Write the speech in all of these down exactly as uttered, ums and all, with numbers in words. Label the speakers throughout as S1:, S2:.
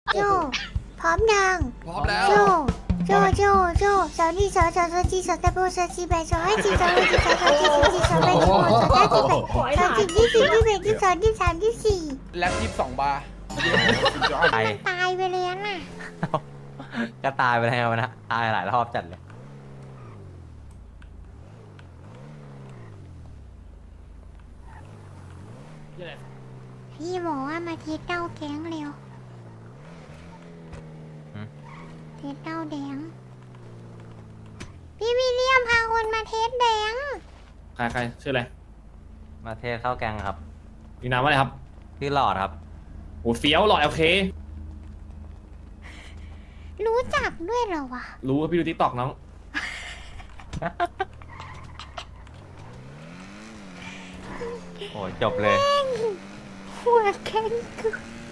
S1: โจพร้อมยัง
S2: พร้อมแล้ว
S1: โจโจโจโจสาวนี่สาวสาวสาวจีสาวตะโบสาวจีแบสาวให้จีสาวให้จีสาวสาวจีสาวจีสาวแบสาวสาวจีแบสาวจีที่สี่ที่แบที่สองที่สามที่สี่
S2: แล็บยี่สิบสองบาร์
S3: ตาย
S1: ตายไปเลยน่ะ
S3: ก็ตายไปแล้วนะตายหลายรอบจัดเลย
S1: พี่บอกว่ามาเทสเต้าแก๊งเร็วเทสเต้าแดงพี่วิลเลียมพาคนมาเทสแดง
S4: ใครใครชื่ออะไร
S3: มาเทศเข้าแกงครับ
S4: มีนามว่าอะไรครับ
S3: ชื่อหลอดครับ
S4: โอ้เฟี้ยวหล่อโอเค
S1: รู้จักด้วยเหรอวะ
S4: รู้ว่าพี่ดูทิกตอกน้อง
S3: โอ้จบเลย
S1: หัวแข็งคือ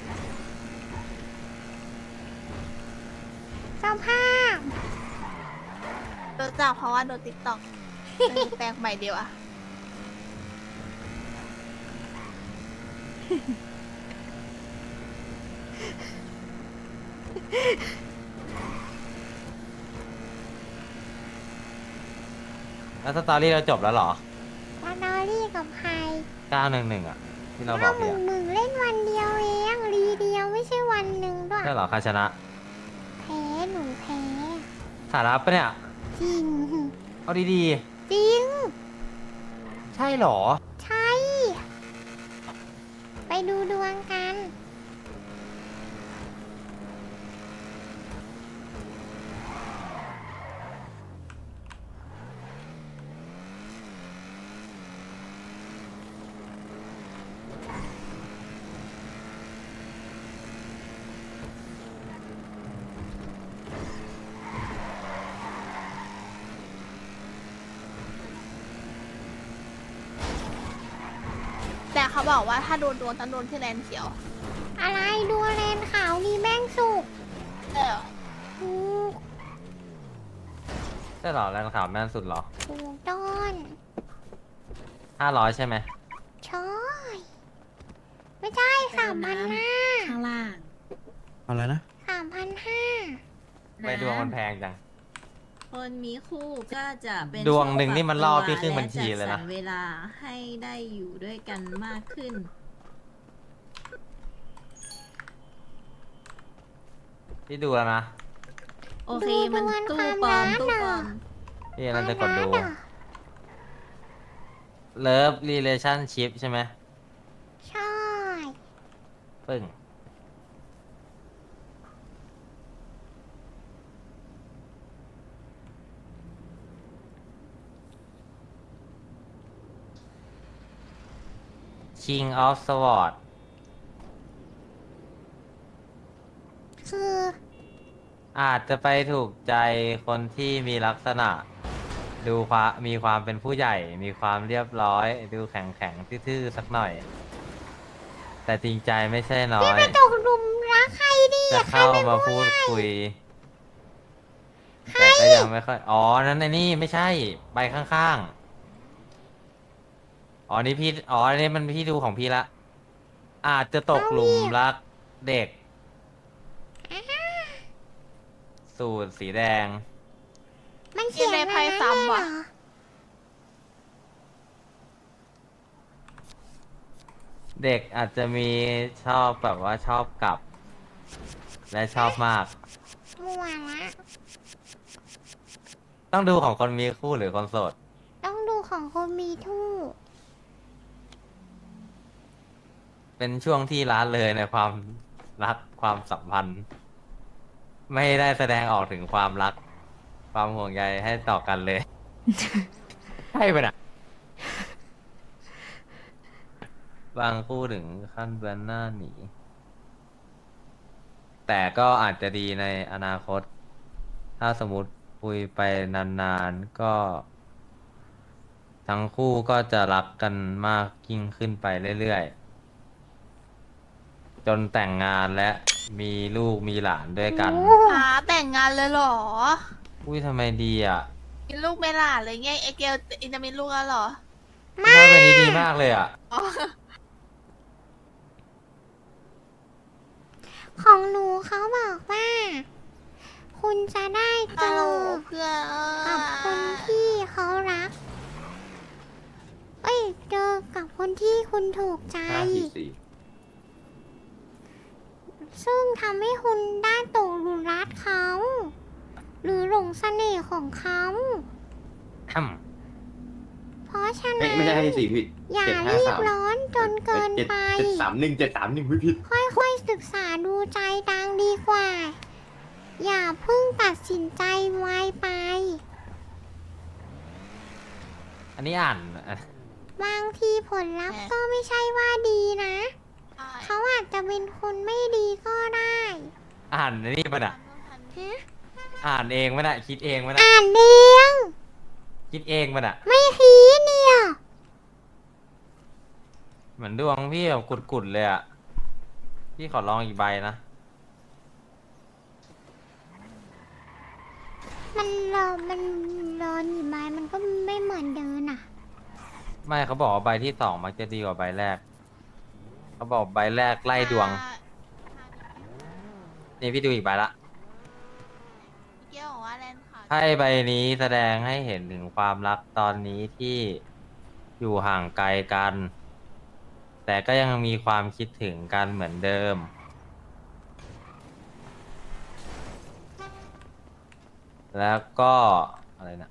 S1: สภาพ
S5: รู้จักเพราะว่าโดนติ๊กต็อกแปลงใหม่เดียวอะ
S3: แล้วสตอรี่เราจบแล้วเหรอ
S1: มาดอรี่กับใคร
S3: เก้าหนึ่งหนึ่งอ่ะ ที่เราบ
S1: ถ้า
S3: อก
S1: มึ
S3: พี่
S1: ง
S3: อะ
S1: มึงเล่นวันเดียวเองรีเดียวไม่ใช่วันหนึ่งด้วย
S3: ใช่เหรอใครชนะ
S1: แพ้หนูแพ้
S3: สาระปะเนี่ย
S1: จริง
S3: เอาดี
S1: จริง
S3: ๆ ใช่เหรอ
S1: ใช่ ไปดูดวงกัน
S5: แต่เขาบอกว่าถ้าโดนดวงต้องโดนที่แลนเขียว
S1: อะไรดูแลนขาวนี่แม่งสุก
S5: เออ
S1: ถูก
S3: ใช่เหรอแรงข่าวแม่นสุดเหรอ
S1: ถูกต้น
S3: ห้าร้อยใช่ไหม
S1: ใช่ไม่ใช่สามพันห้า
S6: ข้างล่าง
S7: อะไรนะ
S1: สามพันห้า
S3: ไปดวงมันแพงจัง
S6: คนมีคู่ก็จะเป็น
S3: ดวงหนึ่งนี่มันล่อพี่
S6: ช่ว
S3: ครึ่งบัญชีเลยนะ
S6: และจัดสรรเวลาให้ได้อยู่ด้วยกันมากขึ้น
S3: พี่ดูแล้วนะ
S6: โอเคมันตู้ปลอมตู้ปลอม
S3: พี่นั่นจะกดดู
S1: เหรอ
S3: Love Relationship ใช่ไหม
S1: ใช่
S3: ปึ้ง King of Sword
S1: คือ
S3: อาจจะไปถูกใจคนที่มีลักษณะ ดูความมีความเป็นผู้ใหญ่ มีความเรียบร้อย ดูแข็งแข็งๆทื่อๆสักหน่อย แต่จริงใจไม่ใช่น้อย
S1: ตกหลุมรักใครดี
S3: จะ
S1: อะใคร
S3: เข้า
S1: เป็น
S3: มา
S1: ผู้
S3: พูด
S1: ใหญ่
S3: คุย แต่ก็ยังไม่ค่อย อ๋อ นั้นไอ้นี่ไม่ใช่ ใบข้างๆ อ๋อ นี่พี่ อ๋อ อันนี้มันพี่ดูของพี่ละ อาจจะตกหลุมรักเด็ก สูตรสีแดง
S1: มันเขียนอะไรนั่นเลยเหรอ
S3: เด็กอาจจะมีชอบแบบว่าชอบกลับ และชอบมาก
S1: มั่วละ
S3: ต้องดูของคนมีคู่หรือคนโสด
S1: ต้องดูของคนมีทู่
S3: เป็นช่วงที่ละเลยในความรักความสัมพันธ์ ไม่ได้แสดงออกถึงความรัก ความห่วงใยให้ต่อกันเลย ใช่ปะน่ะ บางคู่ถึงขั้นเบือนหน้าหนี แต่ก็อาจจะดีในอนาคต ถ้าสมมติคุยไปนานๆ ก็ ทั้งคู่ก็จะรักกันมากยิ่งขึ้นไปเรื่อยๆ จนแต่งงานและมีลูกมีหลานด้วยกัน
S5: หาแต่งงานเลยเหรอ
S3: อุ้ยทำไมดีอ่ะ
S5: มีลูกไม่หล่ะเลยไงไอเกลอินจะมีลูกแล้วเหรอ
S3: ไม่เป็นนี้ดีมากเลยอ่ะ
S1: ของหนูเขาจะได้เจ
S5: ฮัลโหล
S1: อ
S5: เพื่อน
S1: กับคนที่เขารัก เอ้ย เจอกับคนที่คุณถูกใจ
S2: ห้าสี่สี่
S1: ซึ่งทำให้คุณได้ตกหลุมรักเขา หรือหลงเสน่ห์ของเขา
S3: อืม
S1: เพราะฉะ
S2: ไม่
S1: นั้น
S2: ไม่ใช่ห้าสี่สี่ผิด
S1: อย่า
S2: เจ็ดห้า
S1: รีบ
S2: สาม
S1: ร้อนจนเกิน
S2: เจ็ด
S1: ไป
S2: เจ็ดสามหนึ่งเจ็ดสามหนึ่งไม่ผิด
S1: ค่อยๆศึกษาดูใจดังดีกว่า อย่าเพิ่งตัดสินใจไวไป
S3: อันนี้อ่านอ่ะ
S1: บางทีผลลัพธ์ก็ไม่ใช่ว่าดีนะ
S5: ใช่
S1: เขาอาจจะเป็นคนไม่ดีก็ได้
S3: อ่านอันนี่มันอ่ะ
S1: ฮะ
S3: อ่านเองมันอ่ะคิดเองมันอ่ะ
S1: อ่านเอง
S3: คิดเองมันอ่ะ
S1: ไม่คีเนี่ย
S3: เหมือนดวงพี่แบบกุดๆเลยอ่ะพี่ขอลองอีกใบนะ
S1: มันรอมันรอหนีไม้มันก็ไม่เหมือนเดินอ่ะ
S3: ไม่เขาบอกว่าใบที่สองมักจะดีกว่าใบแรกเขาบอกใบแรกไล่ดวงนี่พี่ดูอีกใบละ
S5: เกี่ยวบอกว่าแลนด์ค่ะ
S3: ไพ่ใบนี้แสดงให้เห็นถึงความรักตอนนี้ที่อยู่ห่างไกลกัน แต่ก็ยังมีความคิดถึงกันเหมือนเดิม แล้วก็อะไรนะ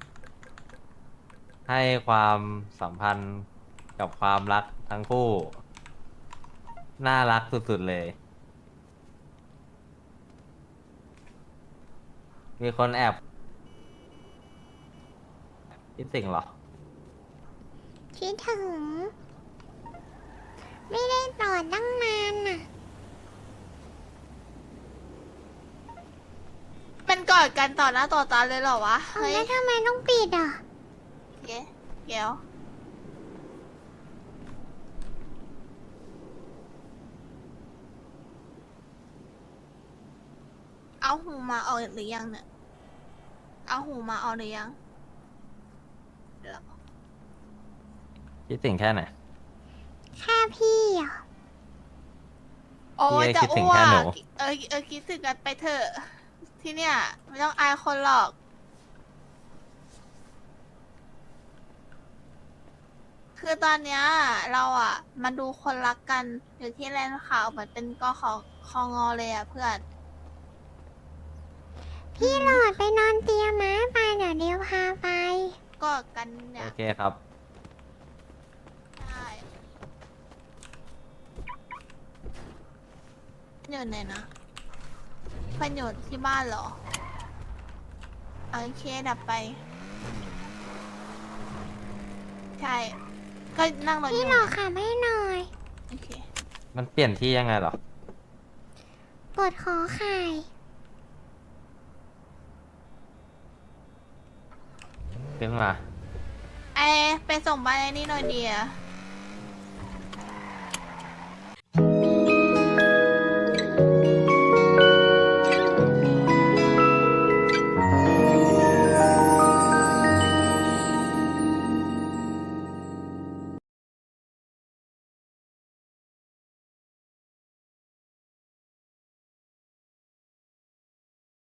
S3: ให้ความสัมพันธ์กับความรักทั้งคู่ น่ารักสุดๆเลย มีคนแอบคิดสิ่งเหรอ
S1: คิดถึง ไม่ได้ต่อตั้งนานน่ะ
S5: เป็นกอดกันต่อหน้าต่อตาเลยเหรอวะ
S1: เอา
S5: เฮ้ย
S1: แล้วทำไมต้องปิดอ่ะ
S5: เก๋เกี่ยวเอาหูมาออกหรือยังเนี่ย เอาหูมาออกหรือยังเดี๋ยว
S3: คิดสิ่งแค่ไหน
S1: แค่พี่อ่ะ
S5: โอ้ย
S3: พี่
S5: จะ
S3: คิดถึง
S5: อ้ว
S3: แค่หนู
S5: กเออเออคิดถึงกันไปเถอะ ที่เนี่ย ไม่ต้องอายคนหรอก คือตอนเนี้ยเราอ่ะ มาดูคนรักกันอยู่ที่แลนด์ขาวเหมือนเป็นกอขอคองอเลยอ่ะเพื่อน
S1: พี่หลอดไปนอนเตียงม้าไปเดี๋ยวเดียวพาไป
S5: กอดกันเนี่
S3: โอย เคครับ
S5: ใช่อยู่ไหนนะเพันอยู่ที่บ้านเหรอโอเคดับไป ใช่ ก็นั่งรถอ
S1: พี่
S5: ยู่
S1: หลอดขับให้หน่อย
S5: โอเค
S3: มันเปลี่ยนที่ยังไงเหรอ
S1: กดขอไข่
S3: ขึ้นมา
S5: ไอไปส่งบ้านไอ้นี่หน่อยเดีย